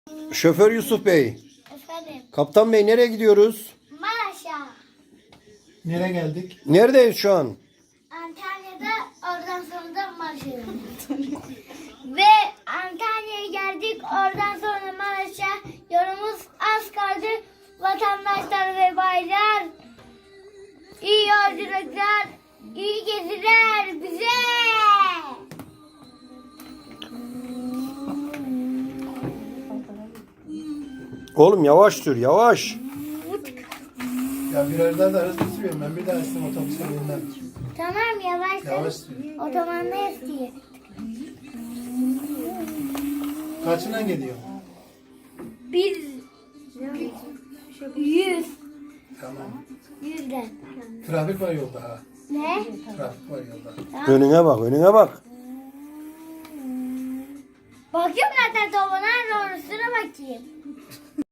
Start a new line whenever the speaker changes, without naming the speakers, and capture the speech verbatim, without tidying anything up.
Şoför Yusuf Bey,
Efendim.
Kaptan Bey nereye gidiyoruz?
Maraş'a.
Nereye geldik?
Neredeyiz şu an?
Antalya'da oradan sonra da Maraş'a döndük. Ve Antalya'ya geldik. Oradan sonra Maraş'a yolumuz az kaldı. Vatandaşlar ve baylar. İyi yolculuklar. İyi geziler bize.
Oğlum yavaş sür, yavaş.
Ya birer daha da hızlı sürüyorum. Ben bir daha istedim otobüse binmem.
Tamam yavaş.
Yavaş sür.
Otomanda istiyor.
Kaçına gidiyor?
Bir yüz.
Tamam.
Yüzden.
Trafik var yolda ha.
Ne?
Trafik var yolda.
Önüne bak, önüne bak.
Bakıyorum zaten topuna doğrusuna bakayım.